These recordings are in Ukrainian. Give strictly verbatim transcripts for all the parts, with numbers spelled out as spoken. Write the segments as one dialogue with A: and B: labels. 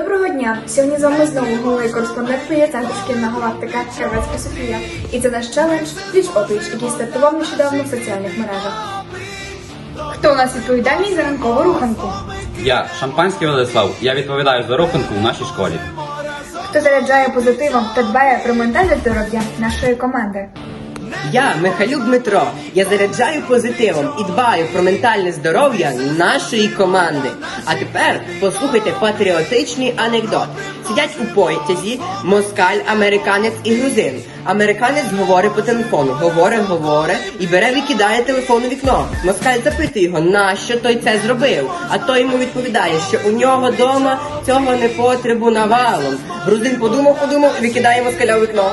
A: Доброго дня! Сьогодні з вами знову головний кореспондент Центру «Шкільна галактика» Червецька Софія. І це наш челендж «Пліч-опліч», який стартував нещодавно в соціальних мережах. Хто у нас відповідальний за ранкову руханку?
B: Я, Шампанський Владислав, я відповідаю за руханку в нашій школі.
A: Хто заряджає позитивом та дбає про ментальне здоров'я нашої команди?
C: Я, Михайлюк Дмитро, я заряджаю позитивом і дбаю про ментальне здоров'я нашої команди. А тепер послухайте патріотичний анекдот. Сидять у потязі москаль, американець і грузин. Американець говорить по телефону, говорить, говорить і бере викидає телефон у вікно. Москаль запитує його, нащо той це зробив? А той йому відповідає, що у нього дома цього не потребу навалом. Грузин подумав, подумав і викидає москаля у вікно.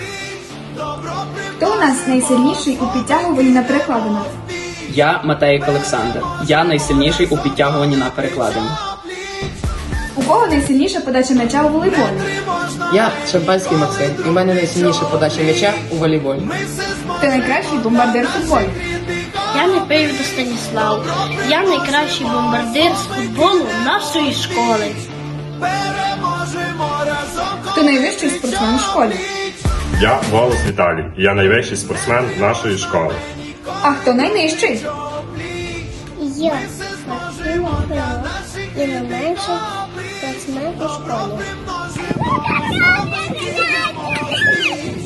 A: Хто у нас найсильніший у підтягуванні на перекладинах?
D: Я Матейко Олександр. Я найсильніший у підтягуванні на перекладині.
A: У кого найсильніша подача м'яча у волейболі?
E: Я Шампанський Максим, і в мене найсильніша подача м'яча у волейболі.
A: Хто найкращий бомбардир футболу?
F: Я Непивіда Станіслав. Я найкращий бомбардир з футболу нашої школи.
A: Хто найвищий спортсмен у школі?
G: Я Волос Віталій, і я найвищий спортсмен нашої школи.
A: А хто найнижчий?
H: Я Максим Крило і найменший спортсмен у школі.